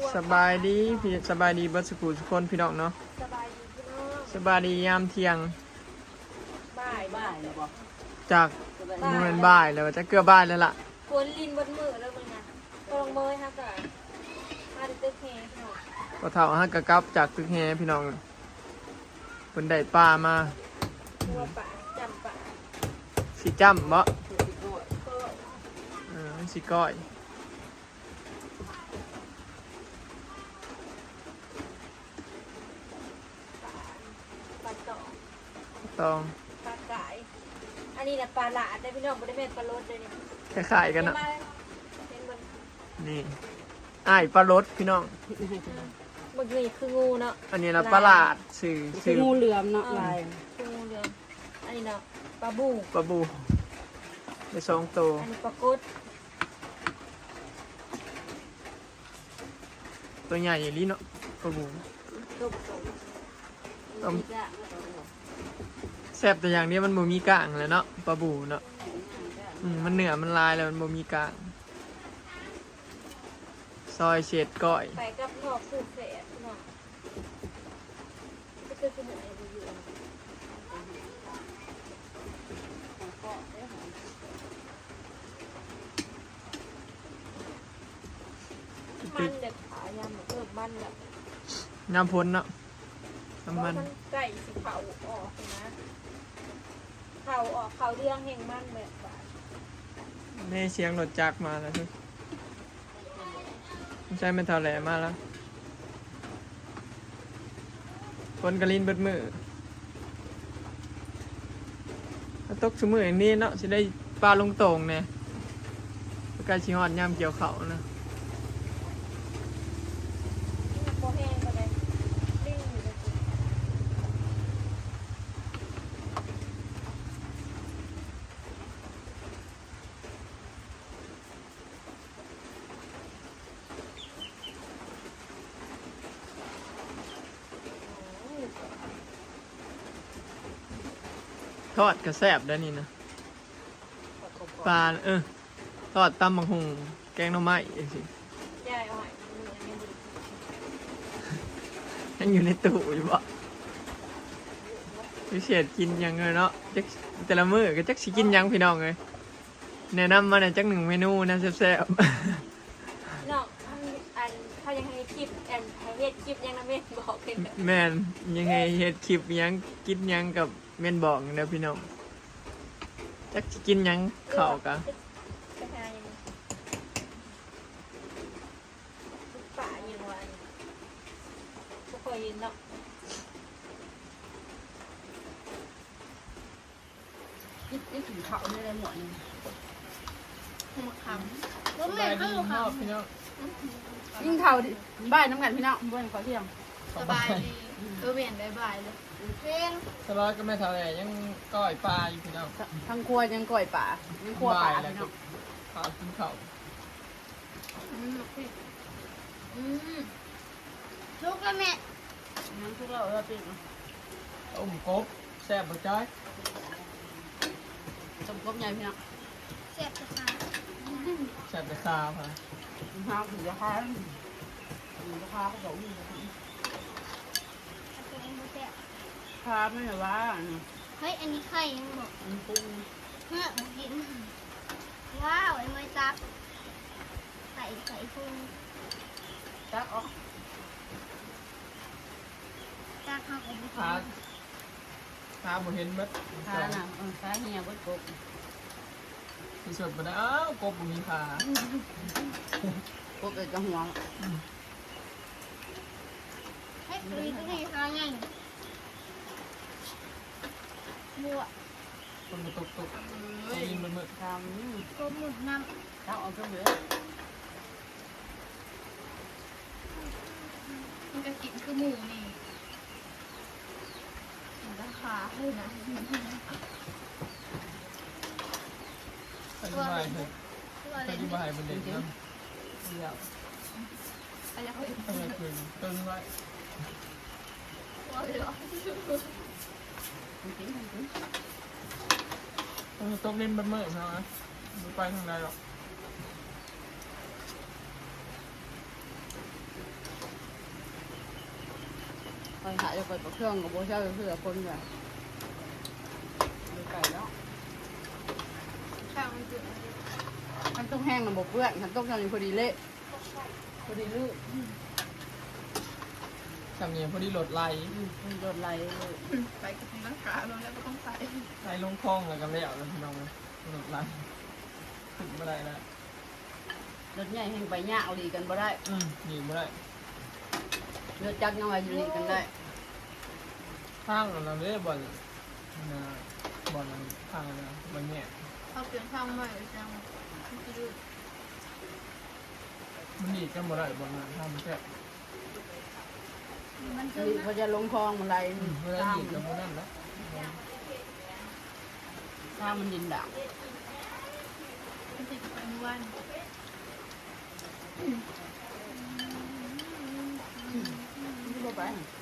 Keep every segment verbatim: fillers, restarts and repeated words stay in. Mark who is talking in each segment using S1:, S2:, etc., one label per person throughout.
S1: สบายดีพี่สบายดีบัสกูทุกคนพี่น้องเนาะ
S2: สบายดีพี่น้อง
S1: สบายดียามเที่ยง
S2: บ่ายบ่ายเลยบอก
S1: จากโมเมนบ่ายแล้วจะเกือบบ่ายแล้วล่ะ
S2: ฝนลินบนมือแล้วมึงนะกำลังเมยฮะก่อนมาดิเต้เฮพี่น้อง
S1: พอเท่าฮักกะกลับจากตึกแฮพี่น้องเพิ่นได้ปลามา
S2: ตัวป่าจำป่า
S1: สิจ้ำบ่
S2: ก็
S1: เออสิก้อย
S2: ปลาต่อ
S1: ตอง
S2: ปลากายอันนี้นะปลาหลาดได้พี่น้องบริเวณปลาลดเลยนี่
S1: คล้ายๆกันเนาะ
S2: เป็นบน
S1: นี่อ้ายปลารสพี่น้อง
S2: บนนี่คืองูเนาะ
S1: อันนี้นะปลาหลาดสื่อ
S3: คือ
S1: สื่อ
S3: งูเหลือมเนาะลาย
S2: คืองูเหลือมอันนี้เนาะปลาบู
S1: ปลาบูได้สองตัว
S2: อันนี้ปลากุด
S1: ตัวใหญ่อย่างนี้เนาะปลาบู
S2: ตุกตุก
S1: ต้มแซ่บแต่อย่างนี้มันบ่มีกลางเลยเนาะปลาบูเนาะอืมมันเหนือมันลายแล้วมันบ่มีกลางซอยเฉดก้อย
S2: ไปกับหอกสูตรเสร็จพี่น้องก็จะเป็นอะไรดีอยู่มันเด็ดขายำเพิ่มมันแบบ
S1: น้ำพ้นเนาะ
S2: เพราะ
S1: น้ำมัน
S2: มันไก่สีเผาออกนะเผาออกเขาเรียงแห่งมันแบบว่า
S1: แม่เสียงรถจักรมาแล้วทุกไม่ใช่เป็นเท่าแหลมาแล้วคนกระลินเบิดมือถ้าตกสมืออย่างนี้เนาะจะได้ปลาลงโต่งเนี่ยใกล้ชิฮอดย่ำเกี่ยวเขานะ
S2: โคแห้งก็ได้ลิ่งอยู่เลยโอ้ย
S1: ทอดกระแซบได้นี่นะปลาเออทอดตำบังหุงแกงหน่อไม้เองสิ
S2: ยายอ่อยมืออันนี้ดี
S1: ยังอยู่ในตู้อยู่บ่พิเศษกินหยังเลยเนาะจักแต่ละมื้อก็จักสิกินหยังพี่น้องเลยแนะนำมาในอยจักหนึ่งเมนูนะแซ่บๆ
S2: เนาะอันอันเขายังให้คลิปอันให้เฮ็ดคลิปยังนะแม่บอกเป็นแบบ
S1: แม่นยังไงเฮ็ดคลิปหยังกินหยังกับแม่นบอกเด้อพี่น้องจักสิกินหยังข้าวกะ
S2: ไปหาอย่างนี้ป่าอย่างวันบ่เคยเห็นเนาะ
S3: นี่นี่ถึงเขาไม่ได้หมดเลย
S2: มะขาม
S1: สบายดีมากพี่น้อง
S3: ยิ่งเท่าดิบ้านน้ำกันพี่น้องบ้านขอเที่ยง
S2: สบายดีเออเวียนบายบายเลยเพลง
S1: สลอยก็ไม่เท่าไหร่ยังก้อยปลาอยู่พี่น้อง
S3: ทั้งครัวยังก่อยป่ายังครัวป่า
S1: แล้ว
S3: พี่
S1: ก็
S3: น้อง
S1: ข้าวกินข้าว
S2: อืมอืมทุกแล้วแม่
S3: ยังทุกเราเราติด
S1: ต้มกบแซ่บบ่จ้อย
S3: สมกบใหญ่พี่น้อง
S2: เสียบจะขา
S1: แซ่บแต่ข้าวค่ะ
S3: ห้าวถึงราคาราคาเขาบอกอยู่ราคาไม่เหรอวะ
S4: เฮ้ย อันนี้ไข่ยังบอก
S3: มันปรุง
S4: เฮ้ยมากิน ว้าว ไอ้ไม้จับไข่ไข่พุง
S3: จักออก
S4: จับข้าวของบุ
S1: ข้าข้าบ่เห็นเบิด
S3: ขาน่ะเออขาเหี่ยบดกบ
S1: ที่สุดบ่ได้อ้าวกบบ่มีขาก
S3: บเอ็ดกระหัว
S4: เฮ้ยตัวนี้ตัวนี้ข้าวไงบัว
S1: คนบ่ตกตกได้ยินมันมืด
S3: ทำ
S4: กบหมุดน้
S3: จักออกก็เหลือ
S4: ำมันจะกินคือหมูนี่ราคาเลยนะ
S1: อธิบายเถอะ
S4: ตัว
S1: อ
S4: เล็ก
S1: ธิบายมันเด็ดนำ
S3: เดียว
S4: อะไรเขา
S1: อะไรคือตึงไว้
S4: ตัวเล็ก
S3: จริงจริง
S1: ต้องตกเล่นเบิดมื้อเนาะบ่ไปทางใดหรอก
S3: หายไปกับเครื่องกับโบเช่าเพื่อคนแบบดูไก่แล้ว
S2: ข้าวมันจืด
S3: มันต้องแห้งมันบกเปื้อนมันต้องทำอยู่พอดีเละพอดีลื่น
S1: สำเนียงพอดีโหลดไล่
S3: มันโดนไหลเลย
S2: ไปกับน้ำขาลงแล้วก็ต้องใส่
S1: ไล่ลงคลองแล้วก็แล้วแล้วพี่น้องเลยโหลดไล่ถึงไม่ได้แล้ว
S3: รถใหญ่แห้งไปยากเอาดีกันบ่ได้
S1: อืมหนีไม่ได้
S3: รถจักรยังไงอยู่ดีกันได้
S1: ข้างเราเรียกบอลนะบอลนั้นข้างนะบอลเนี่ย
S2: เขาเปลี่ยนข้าวใหม่จัง
S1: มันดีกันบ่ได้บอลนั้นข้างมันแค่
S4: มันซึม
S3: ดี
S4: นะ
S3: เขาจะลงคลองมันไหล
S1: อืมเวลา
S3: ตาม
S1: ดีกับมันนั่นนะ
S3: ถ้ามันดินด่าง
S2: มันติดไปเมื่อวัน
S3: ที่บ่ไป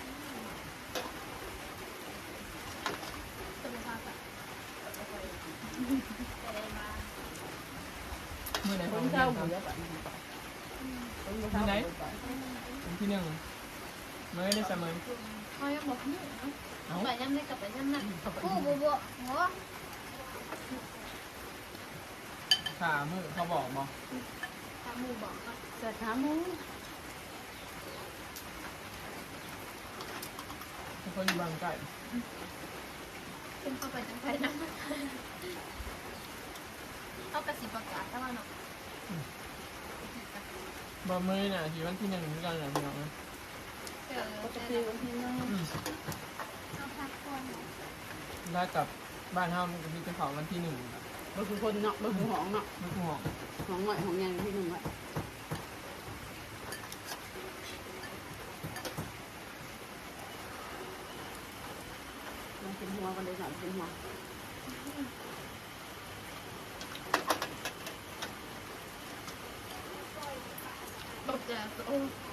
S2: สุขภาพอะ
S1: เมื่อไหร่
S3: ค
S1: เขา
S3: น
S1: เรี
S3: เช่าย
S1: ก
S3: ห
S1: ค
S3: มู
S1: รับ
S3: เยอะไปคนบ่เช่าไป
S1: วันที่หนึ่งเมื่อได้เสมอ
S2: เขายังบอกนี่
S1: เอ้า
S2: ไปย่ำได้กับไปย่ำนั่น
S4: โอ้โหโบโห
S1: ขามือเขาบอกบอก
S2: ทำหมูบอกก็
S3: เกิดขาหมู
S1: เขาคนอยู่บางไก่
S2: ขึ้นเข้าไปจังไปนะเข้ากระสีประกาศถ้าว่าเนาะ
S1: บอมือน่ะที่วันที่หนึ่งเหมือนกันแหละพี่น้องนะ
S2: เออ
S3: ปกติวันที่นึง
S1: อืม
S4: เอาพักก่อน
S1: ได้กับบ้านเฮามันก็มีแต่เขาวันที่หนึ่ง
S3: บ่คือคนเนาะบ่คือหองเนาะ
S1: ลูกหอก
S3: หองหน่อยหองใหญ่ที่หนึ่งอะมากินหัวกันเลยหน่อยกินหัว
S2: ตกใจโอ้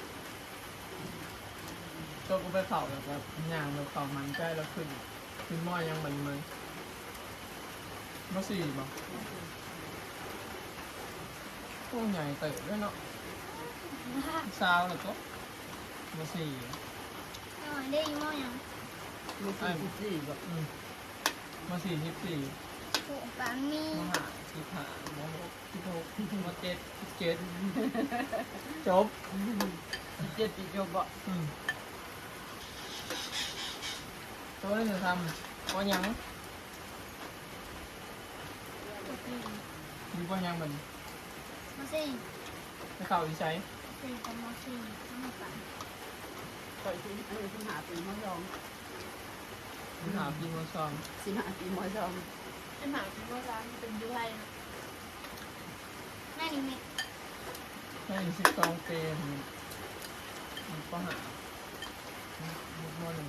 S1: โจกไปเขาแล้วก็ย่างแล้วเขามันใกล้แล้วขึ้นขึ้นหม้อยังมันเลยมาสี่บอกโอ้ใหญ่เตะด้วยเนาะซาวแล้วก็มาสี่
S4: หน่อยได้ยี่ห้อยัง
S3: มีสี่สี่แบบ
S1: อืมมาสี่สิบสี่
S4: โอ้ปามี
S1: มาหาสิบห้ามาหกสิบหกมาเจ็ดสิบเจ็ดจบ
S3: เจ็ดปีจบบ่
S1: อืมตัวนี้จะทำว่ายัง มีว่ายังมัน
S4: มาสี่
S1: จะเข้าอีใช้
S4: สี่กับมาสี่มาสาม
S3: ต่อยที่อันนี้ที่หาปีมอซอง
S1: หาปีมาซอง
S3: สิหาปีมอซอง
S2: ไอ้หมาที่ว่าร้านเป็นยูไทยนะ
S4: แม่นี่มี
S1: ให้สิบสองเปรมมันก็หาลูกมอหนึ่ง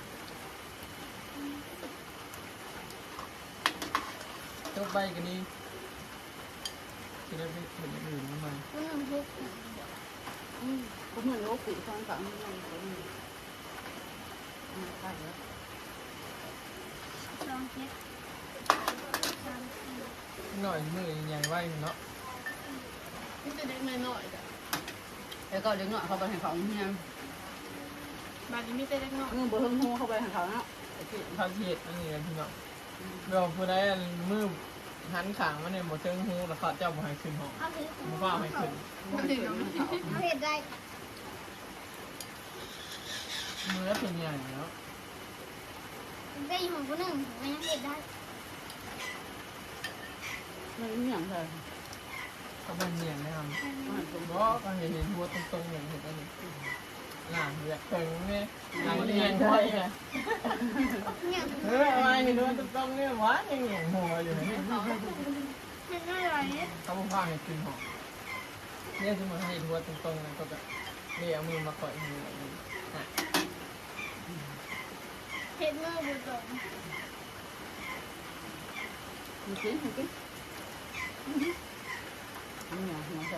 S1: จบใบกันนี้จะได้ไปเห็นอย่างอื่นเข้ามา
S4: คนหนึ่งทุก
S3: อืมก็เหมือนโลกปีฟังฝั่งนี้เลยคนนี้อ่าใช่แล้ว
S4: สองเจ็ดสามสี่
S1: หน่อยมือใหญ่ไว้เนาะ
S2: นี่จะเด็กน้อยๆจ้ะ
S3: แล้วก็เด็กน้อยเขาไปให้เขาเฮีย
S2: บ้านนี้มีแต่เด็กน้อย
S3: เงื่อนบ่เฮิงหูเขาไปให้เขาเนาะไอ้ที่
S1: พาเทียดอันนี้กันพี่น้องเราผู้ใดมือหันขางมาเนี่ยหมดเชิงหูแล้วเขาเจ้าบ่ให้ขึ้นห้อง
S4: เอาถือ
S1: บ่ว่าให้ขึ้น
S3: มันถึงเขา
S4: เอาเห็ดได้
S1: มือเป็นใหญ่แล้ว
S4: ได้ยี่ห้อคนหนึ่งไม่ยังเห็ดได้
S3: มันไม่อย่างไร
S1: ก็เป็นเนียนนะครับ
S3: มันตรง
S1: ก็ก็เห็นเห็นหัวตรงๆอย่างเห็นอันนี้หลังเรียกเถิงเนี่ยหลังเนียนไว้ไง
S4: เนี่ย
S1: เฮ้ยอะไรเห็นหัวตรงๆเนี่ยวะยังเหงียงหัวอยู่นี่
S4: เห็ดได้ไรเนี่ย
S1: เขาบอกว่าให้ขึ้นหอเนี่ยสมมติให้หัวตรงๆนะก็แบบเรียกมือมาก่อยมือแบบนี้อ่ะ
S4: เห็ดมือบุตร
S3: มันกินมันกินมันอย่างหัวใจ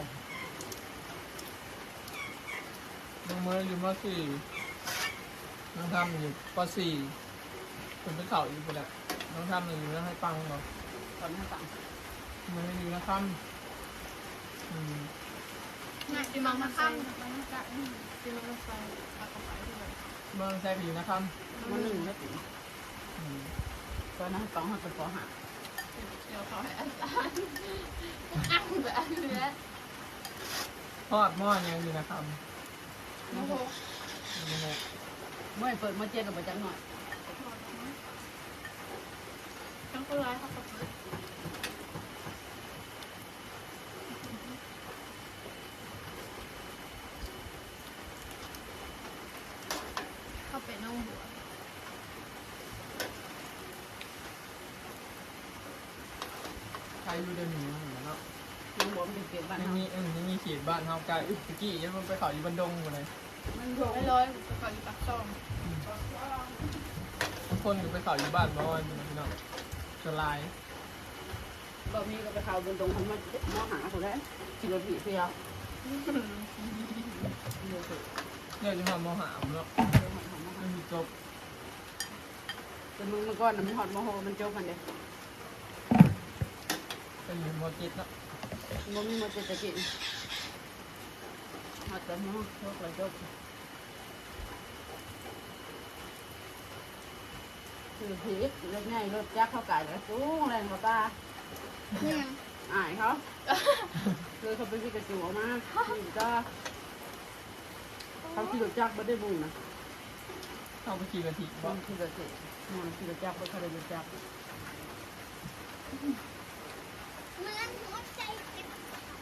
S1: ลงมืออยู่มสี่น้องทำอยู่ปสี่คนไปเข่าอยู่ไปแล้วน้องทำอยู่แล้วให้ปังบอก
S3: ตอนนี้ต่าง
S1: มืออยู่นะครับอืม
S2: ที่มังมาข้ามที่มังมาใส่ปากกระป๋องด้วย
S1: สเมืองใส่ผีนะครับ
S3: มันหนึ่งแล้ว
S1: อืม
S3: ตอนนั้นสองหักเป็นปอหัก
S2: เดี๋ยวเขาให้อาจารย์อ้างแบบเนื้อ
S1: ทอดหม้อยังอยู่นะครับ
S2: โอ้โห
S1: โอ้โห
S3: เมื่อเปิดมาเจ็ดกับประจังหน่อย
S2: ทั้งคนร้ายเขาก็เปิดเข้าไปน้องหัว
S1: ใครอยู่เดินหนีมาเหมือนเนาะ
S3: น้องบอกมันเก็บบ้าน
S1: ยัง
S3: เขา
S1: มีเออยังมีเขียดบ้านเฮาไกลตะกี้ยังมันไปเขาอยู่บันดงอยู่เลย
S3: มันโดน
S2: ไม่ร้อยไปขออยู่ปากช่อง
S1: บางคนก็ไปเขาอยู่บ้านบอนอยู่นะพี่น้องจะลาย
S3: บอกมีก็ไปข่าวบนตรงมันมอหาคนแล้วกิโลผีเพียว
S1: เรื่องจะทำมหาเนาะไม่มีจบ
S3: แต่มึงมันก้อนมันหอดมโหมันจบมันเด้
S1: เป็นมอจิตเนาะ
S3: มันมีมันจะกินหอดแต่มโหจบเลยจบคือผีรถง่ายรถจักรเข้าไก่แล้วจู้แรงเขาตา
S4: เนี่ย
S3: อายเขาเลยเขาไปที่กระจูออกมานี่ก็เขาขี่รถจักรไม่ได้บุญนะ
S1: เข้าไปขี่กะทิ
S3: บา
S1: บ่
S3: งขี่รถเจ็บมันขี่รถจักรไม่เคยได้รถจักร
S4: เหมือนหัวใจเจ็บ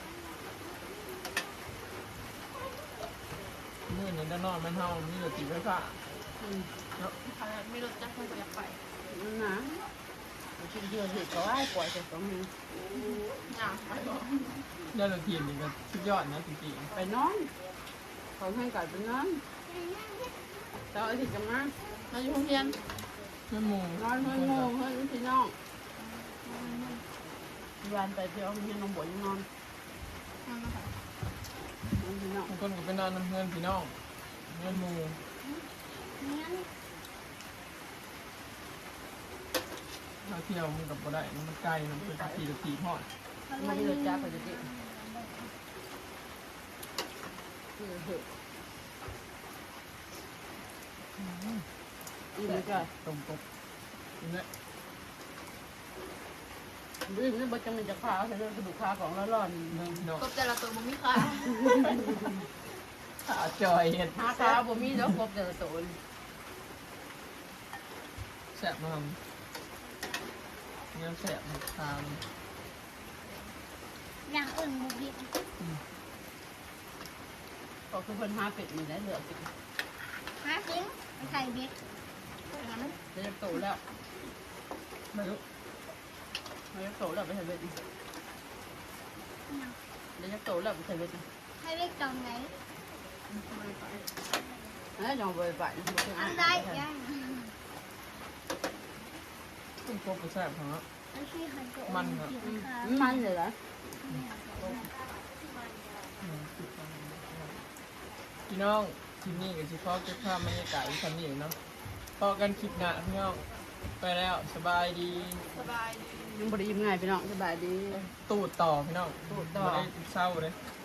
S1: มื่อนี้ด้านนอกมันเฮามีรถติดไฟฟ้า
S3: อืม
S1: เนาะ
S2: ขนาดไม่รถจักรเขาก็อยากไป
S3: นั่นนะกินเยอะเห็ดก็ไอ้ปล่อยแต่สองมือ
S2: หนาไปบอก
S1: ได้รถทีมนี่ก็สุดยอดนะจริง
S3: ไปนอนเขาให้ไก่ไปนอนแต่ไอ้ที่จะมา
S2: เราอยู่โรงเรียน
S1: ๆไม่มู
S3: นอนเฮ้ยโง่เฮ้ยพี่น้องวันไปเที่ยวมีน้องบ่อยนอน
S2: นั่นนะคะ
S3: นอนพี่น้อง
S1: บางคนก็ไปนอนน้ำเพื่อนพี่น้องเพื่อนหมู
S4: เนี่ย
S1: ถ้าเที่ยวมันกับบ่ได้มันไกลมันเป็นขี่รถทีพอด
S3: ไม่ได้รถจักรไปจะกินคือเห็ดอีกไม่ใช่
S1: ตรงตกนี่
S3: ดื้อนี่บ่จะมันจะขาใส่เรื่องกระดูกขาของละร่อน
S1: เรื่องพี่น้อง
S2: กบแต่ละตัวมันมีค่า
S1: ขาจอยเห็ด
S3: หาขาบ่มีแล้วครบแต่ละตัว
S1: แสบมากเนี่ยแสบทาง
S4: อย่างอื่นบุบิด
S3: ก็คือเพิ่นหาเป็ดนี่แหละเหลือกิน
S4: หาซิงไปใส่เบ็ด
S3: เดี๋ยวจะโตแล้ว
S1: ไม่รู้
S3: เดี๋ยวจะโตแล้วไปใส่เบ็ดเดี๋ยวจะโตแล้วไปใส่เบ็ด
S4: ให้เบ็ดตอนไหน
S3: เอ้ยยองไปไปนะบ่คือ
S4: อั
S3: อ่าน น
S4: ได้ยัง
S1: ต้องครบไปแสบของเนาะ
S4: มันคือหันตัว
S1: มันเหรอ
S4: ผิวขาว
S3: มันเลยเหรอ
S1: พี่น้องคลิปนี้กับชิพอเก็บภาพบรรยากาศอีกครั้งนี้เนาะพอกันคลิปหน้าพี่น้องไปแล้วสบายดี
S2: สบายดี
S3: ยังบ่ได้ยิ้มง่ายพี่น้องสบายดี
S1: ตูดต่อพี่น้อง
S3: ตูดต่อ
S1: บ่ได้เศร้าเลย
S3: อ